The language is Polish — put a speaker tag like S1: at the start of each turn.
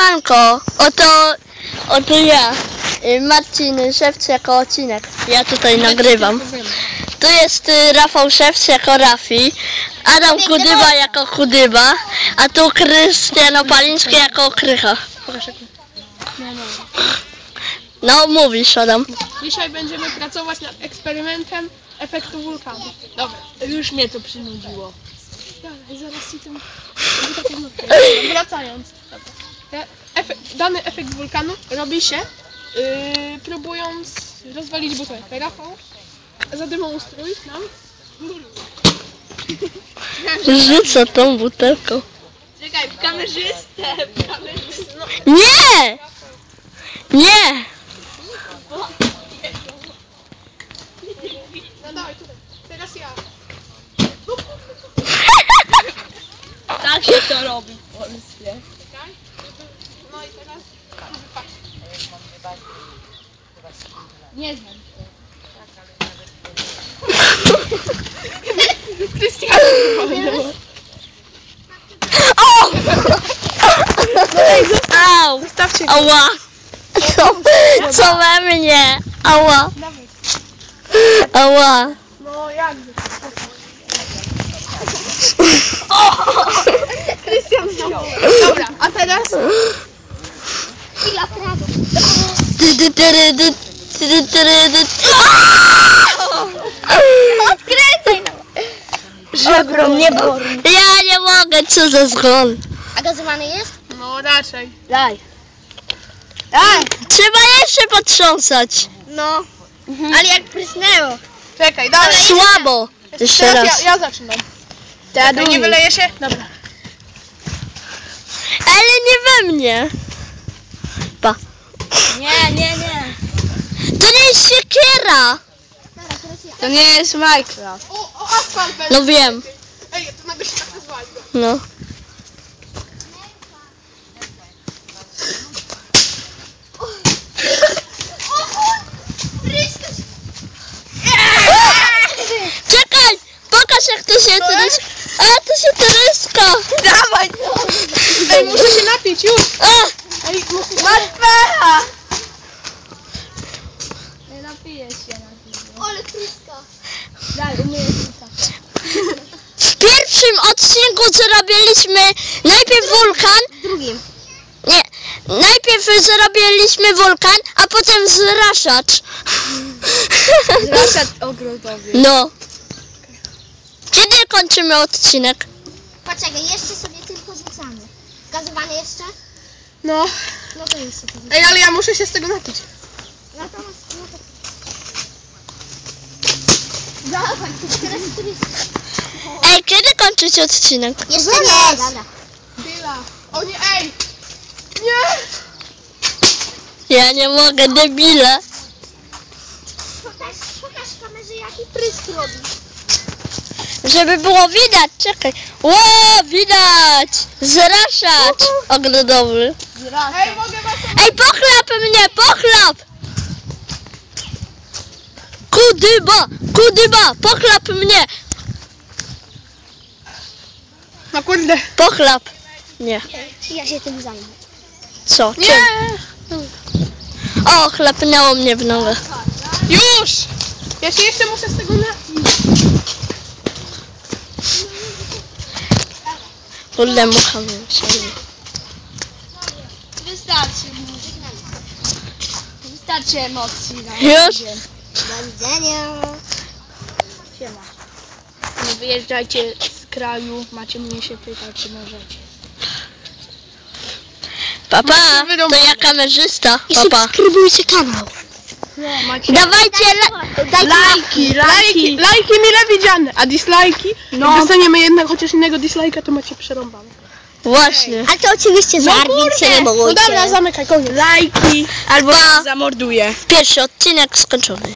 S1: Siemanko, oto ja, Marcin Szewc jako odcinek, ja tutaj nagrywam. Tu jest Rafał Szewc jako Rafi, Adam Kudyba jako Kudyba, a tu Krystian Opaliński jako Krycha. No mówisz, Adam.
S2: Dzisiaj będziemy pracować nad eksperymentem efektu wulkanu. Dobra, już mnie to przynudziło. Dalej, zaraz ci tym... Wracając. Dany efekt wulkanu robi się próbując rozwalić butelkę. Rafał, zademonstruj nam.
S1: Rzucę tą butelką.
S2: Czekaj, kamerzystę. No.
S1: Nie! Nie!
S2: No dawaj, tutaj. Teraz ja.
S3: Tak się to robi w Polsce.
S2: Czekaj. No i teraz...
S3: Nie znam.
S2: Krystian!
S1: O! Au!
S2: Zostawcie go.
S1: Ała! Co we mnie? Ała!
S2: Dawaj.
S1: Ała!
S2: No jakby. Krystian znowu. Dobra, a teraz...
S1: Odkręcaj!
S3: Żebro mnie boli.
S1: Ja nie mogę, co za zgon.
S3: A gazowany jest?
S2: No raczej.
S3: Daj. Daj.
S1: Trzeba jeszcze potrząsać.
S3: No. Ale jak prysnęło.
S2: Czekaj, dalej.
S1: Słabo. Jeszcze
S2: Teraz
S1: raz.
S2: ja zaczynam. Czekaj, nie wyleje się? Dobra.
S1: Ale nie we mnie. Pa.
S3: Nie.
S1: To nie jest siekiera.
S3: To nie jest Minecraft.
S2: O, asfalt będzie.
S1: No wiem.
S2: Ej, to nagle się tak nazwali go.
S1: No. Czekaj! Pokaż jak to się tryska. A to się tryska.
S3: Dawaj.
S2: Ej, muszę się napić, już. Ej,
S3: Masz pecha. Nie napiję się na tym.
S2: Ale tryska.
S3: Daj, umyję się.
S1: W pierwszym odcinku zrobiliśmy najpierw wulkan.
S3: Drugim.
S1: Nie. Najpierw zrobiliśmy wulkan, a potem zraszacz.
S3: Zraszad ogrodowy.
S1: No. Kiedy kończymy odcinek?
S4: Poczekaj, jeszcze sobie tylko rzucamy. Gazowane jeszcze?
S2: No.
S4: No to jeszcze to rzucamy.
S2: Ej, ale ja muszę się z tego napić.
S4: Natomiast, no to... Dawaj, to teraz turysta.
S1: Ej, kiedy kończyć odcinek?
S4: Jeszcze nie, dobra.
S2: Chwila. O nie, ej! Nie!
S1: Ja nie mogę, debile.
S4: Pokaż kamerze, jaki prysk robi.
S1: Żeby było widać, czekaj. Ło, widać! Zraszacz ogrodowy.
S2: Ej, mogę was...
S1: Ej, pochlap mnie, pochlap! Kudyba, pochlap mnie!
S2: No kurde.
S1: Pochlap. Nie.
S4: Ja się tym zajmę.
S1: Co?
S2: Nie!
S1: Czym? O, chlapnęło mnie w nogę.
S2: Już! Ja się jeszcze muszę z tego napić.
S1: Kurde, mucha mnie siedzi.
S3: Wystarczy emocji.
S1: Już?
S4: Do widzenia.
S3: Siema. Nie wyjeżdżajcie z kraju, macie mnie się pytać, czy możecie.
S1: Papa, to ja kamerzysta.
S4: I
S1: Papa.
S4: subskrybujcie kanał.
S3: Macie
S1: Dawajcie
S3: lajki.
S2: Lajki mile widziane, a dislajki? No. Jak dostaniemy jednak chociaż innego dislajka, to macie przerąbane.
S1: Właśnie.
S4: Ale to oczywiście żart, więc się nie
S2: No
S4: bójcie.
S2: dobra, zamykaj, koniec.
S3: Lajki albo
S1: Pa.
S3: zamorduję.
S1: Pierwszy odcinek skończony.